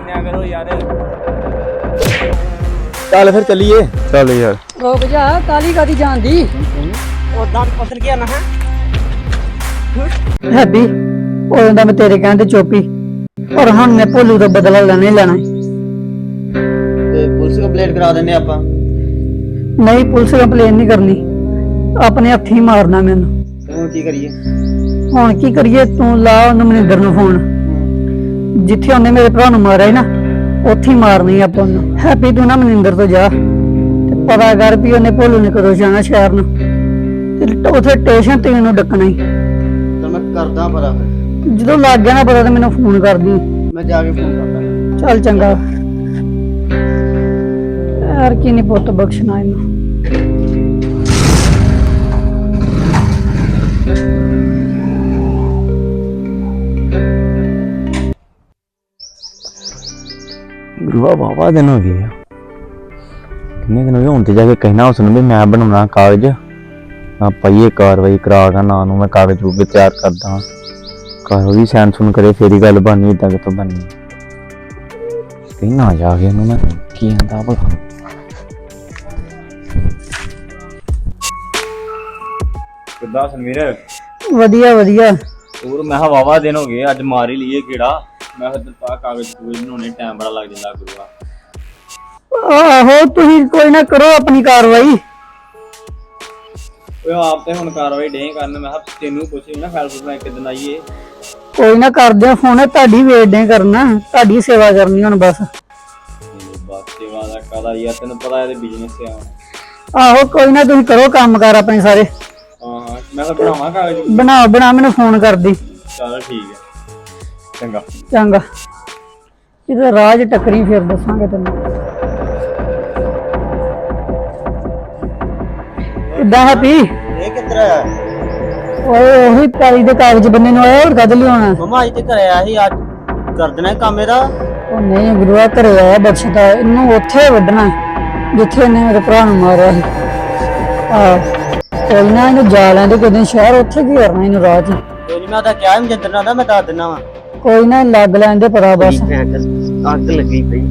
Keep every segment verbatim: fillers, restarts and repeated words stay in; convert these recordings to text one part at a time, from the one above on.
ਮੰਨਿਆ ਕਰੋ ਯਾਰ। ਚੱਲ ਫਿਰ ਚੱਲੀਏ। ਚੱਲ ਯਾਰ ਰੁਕ ਜਾ, ਕਾਲੀ ਕਾਦੀ ਜਾਂਦੀ ਉਦਾਂ ਪਸਰ ਗਿਆ ਨਾ ਹੈ ਹੈਬੀ। ਉਹ ਕਹਿੰਦਾ ਮੈਂ ਤੇਰੇ ਕਹਿਣ ਤੇ ਚੋਪੀ, ਪਰ ਹੁਣ ਮੈਂ ਭੋਲੂ ਦਾ ਬਦਲਾ ਲੈਣਾ ਹੀ ਲੈਣਾ। ਤੇ ਪੁਲਿਸ ਕੰਪਲੇਂਟ ਕਰਾ ਦਿੰਨੇ ਆਪਾਂ। ਨਹੀਂ, ਪੁਲਿਸ ਕੰਪਲੇਨ ਨਹੀਂ ਕਰਨੀ, ਆਪਣੇ ਹੱਥੀਂ ਮਾਰਨਾ ਮੈਨੂੰ। ਹੁਣ ਕੀ ਕਰੀਏ? ਹੁਣ ਕੀ ਕਰੀਏ, ਤੂੰ ਲਾ ਉਹਨੂੰ ਮਨਿੰਦਰ ਨੂੰ ਫੋਨ। ਜਿੱਥੇ ਉਹਨੇ ਮੇਰੇ ਭਰਾ ਨੂੰ ਮਾਰਿਆ ਸੀ ਨਾ, ਉੱਥੇ ਹੀ ਮਾਰਨੀ ਆਪਾਂ ਉਹਨੂੰ। ਹੈਪੀ ਤੂੰ ਨਾ ਮਨਿੰਦਰ ਤੋਂ ਜਾ ਤੇ ਪਤਾ ਕਰ ਵੀ ਉਹਨੇ ਭੋਲੂ ਨੇ ਕਦੋਂ ਜਾਣਾ ਸ਼ਹਿਰ ਨੂੰ, ਤੇ ਉੱਥੇ ਸਟੇਸ਼ਨ ਤੇ ਇਹਨੂੰ ਡੱਕਣਾ ਹੀ। ਤਾਂ ਮੈਂ ਕਰਦਾ ਪਤਾ ਫਿਰ। ਜਦੋਂ ਲੱਗ ਗਿਆ ਨਾ ਪਤਾ ਤੇ ਮੈਨੂੰ ਫੋਨ ਕਰਦੀ। ਮੈਂ ਜਾ ਕੇ ਫੋਨ ਕਰਦਾ। ਚੱਲ ਚੰਗਾ ਯਾਰ, ਕੀ ਨਹੀਂ ਪੁੱਤ ਬਖਸ਼ਣਾ ਇਹਨੂੰ। ਗੁਰੂਆ ਬਾਬਾ ਦਿਨ ਹੋ ਗਏ ਆ, ਕਿੰਨੇ ਦਿਨ ਹੋ ਗਏ। ਹੁਣ ਤੇ ਜਾ ਕੇ ਕਹਿਣਾ ਉਸ ਨੂੰ ਵੀ ਮੈਂ ਬਣਾਉਣਾ ਕਾਗਜ਼, ਆਪਾਂ ਇਹ ਕਾਰਵਾਈ ਕਰਾ ਕੇ ਨਾ ਨੂੰ ਮੈਂ ਕਾਗਜ਼ ਰੂਪ ਤਿਆਰ ਕਰਦਾ। ਕਾਰਵਾਈ ਸੈਨ ਸੁਣ ਕਰੇ ਫੇਰ ਹੀ ਗੱਲ ਬਣਨੀ, ਏਦਾਂ ਕਿਤੋਂ ਬਣਨੀ। ਕਹਿਣਾ ਜਾ ਕੇ ਉਹਨੂੰ ਮੈਂ ਕੀ ਆਂਦਾ ਭਲਾ। ਕਿੱਦਾਂ ਸੰਵੀਰ? ਵਧੀਆ ਵਧੀਆ। ਹੋਰ ਮੈਂ ਕਿਹਾ ਵਾਵਾ ਦਿਨ ਹੋ ਗਏ, ਅੱਜ ਮਾਰ ਹੀ ਲਈਏ ਕਿਹੜਾ। ਮੈਂ ਫਿਰ ਪਾ ਕਾਗਜ਼ ਕੂਗਜ਼ ਬਣਾਉਣੇ, ਟਾਈਮ ਬੜਾ ਲੱਗ ਜਾਂਦਾ ਗੁਰੂਆ। ਆਹੋ ਤੁਸੀਂ ਕੋਈ ਨਾ ਕਰੋ ਆਪਣੀ ਕਾਰਵਾਈ। ਓਏ ਆਪ ਤੇ ਹੁਣ ਕਾਰਵਾਈ ਡੇ ਕਰਨ। ਮੈਂ ਕਿਹਾ ਤੈਨੂੰ ਪੁੱਛੀ ਨਾ ਫੈਲ ਫੁਲ ਕਿੱਦਣ ਆਈਏ। ਕੋਈ ਨਾ ਕਰਦੇ ਆ ਫੋਨ, ਤੁਹਾਡੀ ਵੇਟ ਕਰਨਾ, ਤੁਹਾਡੀ ਸੇਵਾ ਕਰਨੀ ਹੁਣ ਬਸ। ਬਸ ਸੇਵਾ ਦਾ ਕਾਹਦਾ ਯਾਰ, ਤੈਨੂੰ ਪਤਾ ਇਹਦੇ ਬਿਜ਼ਨਸ ਤੇ ਆਉਣਾ। ਆਹੋ ਕੋਈ ਨਾ, ਤੁਸੀਂ ਕਰੋ ਕੰਮ ਕਾਰ ਆਪਣੇ ਸਾਰੇ। ਹਾਂ ਹਾਂ ਮੈਂ ਤਾਂ ਬਣਾਵਾਂ ਕਾਗਜ਼। ਬਣਾ ਬਣਾ ਮੈਨੂੰ ਫੋਨ ਕਰਦੀ। ਚੱਲ ਠੀਕ ਹੈ, ਚੰਗਾ ਚੰਗਾ। ਕਿਤੇ ਰਾਜ ਟੱਕਰੀ ਫਿਰ ਦੱਸਾਂਗੇ ਤੈਨੂੰ। ਕਿੱਦਾਂ ਹੈਪੀ? ਇਹ ਕਿੱਧਰ ਆਇਆ? ਓਏ ਉਹੀ ਪੈਲੀ ਦੇ ਕਾਗਜ਼ ਬੰਨੇ ਨੂੰ ਆਇਆ, ਹੋਰ ਕਦ ਲਿਆਉਣਾ? ਮਮਾ ਅੱਜ ਤੇ ਘਰੇ ਆਇਆ ਸੀ, ਅੱਜ ਕਰ ਦੇਣਾ ਕੰਮ ਇਹਦਾ। ਉਹ ਨਹੀਂ ਗੁਰੂਆ, ਘਰੇ ਆਇਆ ਬਖਸ਼ਦਾ, ਇਹਨੂੰ ਉੱਥੇ ਵੱਢਣਾ ਜਿੱਥੇ ਇਹਨੇ ਮੇਰੇ ਭਰਾ ਨੂੰ ਮਾਰਿਆ ਸੀ। ਆਹ ਕੋਈ ਨਾ, ਇਹਨੂੰ ਜਾ ਲੈਂਦੇ ਕਿਸੇ ਦਿਨ ਸ਼ਹਿਰ, ਉੱਥੇ ਕੀ ਕਰਨਾ ਇਹਨੂੰ ਰਾਹ 'ਚ। ਕੋਈ ਨਹੀਂ, ਮੈਂ ਤਾਂ ਕਿਹਾ ਮਜਿੰਦਰ ਨਾਲ, ਮੈਂ ਦੱਸ ਦਿੰਦਾ ਵਾ। ਕੋਈ ਨਾ, ਲੱਗ ਲੈਂਦੇ ਪਤਾ ਬਸ। ਅੱਗ ਲੱਗੀ ਪਈ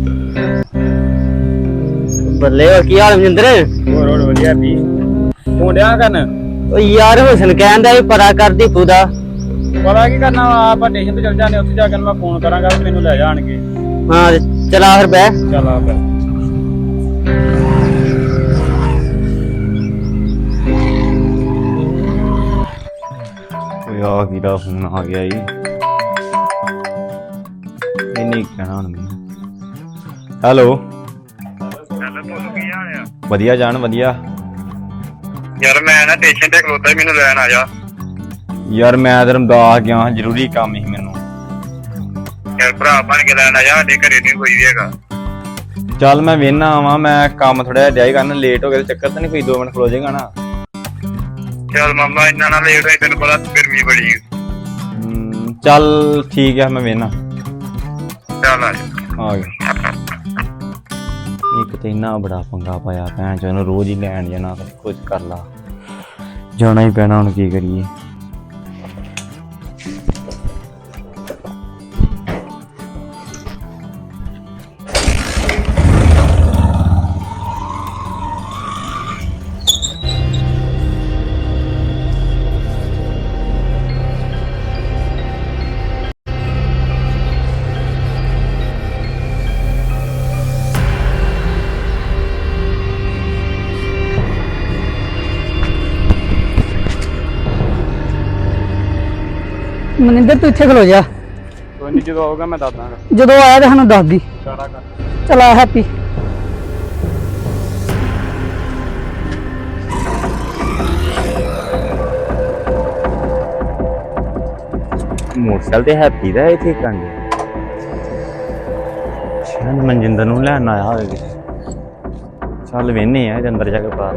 ਬੱਲੇ। ਹੋਰ ਕੀ ਹਾਲ ਮਜਿੰਦਰ? ਹੋਰ ਹੋਰ ਵਧੀਆ ਵੀ ਤੂੰ ਡਿਆ ਕਰਨ। ਓ ਯਾਰ ਹੁਸਨ ਕਹਿੰਦਾ ਵੀ ਪਤਾ ਕਰ ਦੀਪੂ ਦਾ। ਪਤਾ ਕੀ ਕਰਨਾ ਵਾ, ਆਪਾਂ ਸਟੇਸ਼ਨ ਤੇ ਚੱਲ ਜਾਂਦੇ, ਉੱਥੇ ਜਾ ਕੇ ਮੈਂ ਫੋਨ ਕਰਾਂਗਾ ਵੀ ਮੈਨੂੰ ਲੈ ਜਾਣਗੇ। ਹਾਂ ਚਲਾ ਫਿਰ ਬੈ। ਚੱਲ ਆ ਫਿਰ। ਓਏ ਆ ਕਿਹਦਾ ਫੋਨ ਆ ਗਿਆ ਈ। ਇਹ ਨਹੀਂ ਕਹਿਣਾ ਹੁਣ ਮੈਨੂੰ। ਹੈਲੋ ਹੈਲੋ ਤੁਹਾਨੂੰ ਕੀ ਹਾਲ ਆ? ਵਧੀਆ ਜਾਨ ਵਧੀਆ। ਯਾਰ ਮੈਂ ਨਾ ਸਟੇਸ਼ਨ ਤੇ ਖਲੋਤਾ, ਮੈਨੂੰ ਲੈਣ ਆ ਜਾ। ਯਾਰ ਮੈਂ ਤੇ ਰਮਦਾਸ ਗਿਆ, ਜ਼ਰੂਰੀ ਕੰਮ ਸੀ ਮੈਨੂੰ। ਯਾਰ ਭਰਾ ਬਣ ਕੇ ਲੈਣ ਆ ਜਾ, ਸਾਡੇ ਘਰੇ ਨਹੀਂ ਕੋਈ ਵੀ ਹੈਗਾ। ਚੱਲ ਮੈਂ ਵੇਹਨਾ ਆਵਾਂ, ਮੈਂ ਕੰਮ ਥੋੜਾ ਜਿਹਾ ਡਿਆ ਕਰਨ, ਲੇਟ ਹੋ ਗਿਆ ਚੱਕਰ ਤਾਂ ਨਹੀਂ ਕੋਈ, ਦੋ ਮਿੰਟ ਖਲੋ ਜਾਏਗਾ ਨਾ। ਚੱਲ ਮਾਮਾ ਇੰਨਾ ਨਾ ਲੇਟ ਹੋਈ, ਤੈਨੂੰ ਪਤਾ ਗਰਮੀ ਬੜੀ। ਹਮ, ਚੱਲ ਠੀਕ ਹੈ, ਮੈਂ ਵੇਹਨਾ। ਚੱਲ ਆ ਜਾ। ਆ ਗਿਆ। ਇੱਕ ਤੇ ਇੰਨਾ ਬੜਾ ਪੰਗਾ ਪਾਇਆ ਭੈਣ ਚੋਂ, ਉਹਨੂੰ ਰੋਜ਼ ਹੀ ਲੈਣ ਜਾਣਾ, ਕੁਝ ਕਰ ਲਾ, ਜਾਣਾ ਹੀ ਪੈਣਾ, ਹੁਣ ਕੀ ਕਰੀਏ। ਮਨਿੰਦਰ ਤੂੰ ਇੱਥੇ ਖਲੋ ਜਾ। ਕੋਈ ਨਹੀਂ, ਜਦੋਂ ਆਊਗਾ ਮੈਂ ਦੱਸ ਦਾਂਗਾ। ਜਦੋਂ ਆਇਆ ਤੇ ਸਾਨੂੰ ਦੱਸ ਦੀ। ਸਾਰਾ ਕਰ। ਚਲਾ ਹੈਪੀ। ਮੋਟਰਸਾਈਕਲ ਤੇ ਹੈਪੀ ਦਾ ਇੱਥੇ ਕੰਗੇ ਸ਼ਾਇਦ ਮਨਜਿੰਦਰ ਨੂੰ ਲੈਣ ਆਇਆ ਹੋਵੇਗਾ। ਚੱਲ ਵੇਹਨੇ ਆ ਅੰਦਰ ਜਾ ਕੇ ਪਾ।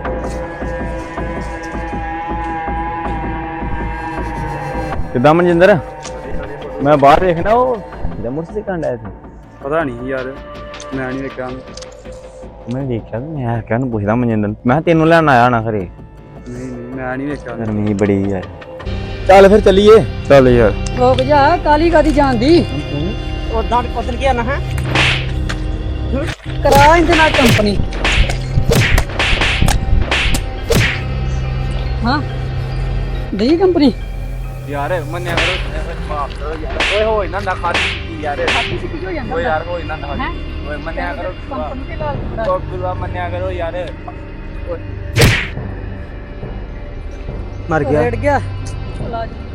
ਕਿੱਦਾਂ ਮਨਜਿੰਦਰ? ਮੈਂ ਬਾਹਰ ਵੇਖਣਾ, ਉਹ ਜਿਹੜਾ ਮੋਟਰਸਾਈਕਲ ਕੰਡਾ ਇੱਥੇ। ਪਤਾ ਨਹੀਂ ਯਾਰ, ਮੈਂ ਨਹੀਂ ਵੇਖਿਆ। ਮੈਂ ਵੇਖਿਆ ਤੇ ਮੈਂ ਕਿਹਾ ਨੂੰ ਪੁੱਛਦਾ ਮਨਜਿੰਦਰ, ਮੈਂ ਤੈਨੂੰ ਲੈਣ ਆਇਆ ਨਾ ਖਰੇ। ਨਹੀਂ ਨਹੀਂ ਮੈਂ ਨਹੀਂ ਵੇਖਿਆ। ਗਰਮੀ ਬੜੀ ਯਾਰ। ਚੱਲ ਫਿਰ ਚੱਲੀਏ। ਚੱਲ ਯਾਰ ਰੁਕ ਜਾ, ਕਾਲੀ ਕਾਦੀ ਜਾਂਦੀ ਉਦਾਂ ਉਦੋਂ ਕੀ ਆਣਾ ਹੈ ਕਰਾ ਇਹਦੇ ਨਾਲ ਕੰਪਨੀ ਹਾਂ ਦੇ ਕੰਪਨੀ ਯਾਰ ਮੰਨਿਆ ਕਰੋ ਮਾਫ ਕਰੋ ਯਾਰ ਓਏ ਹੋ ਇਹਨਾਂ ਦਾ ਖਾਦੀ ਯਾਰ ਹੋ ਜਾਂਦਾ ਓਏ ਯਾਰ ਹੋ ਇਹਨਾਂ ਦਾ ਓਏ ਮੰਨਿਆ ਕਰੋ ਕੰਪਨੀ ਦੇ ਲਾਲ ਬੜਾ ਓ ਗੁਰੂਆ ਮੰਨਿਆ ਕਰੋ ਯਾਰ ਮਰ ਗਿਆ ਰੇੜ ਗਿਆ ਇਲਾਜ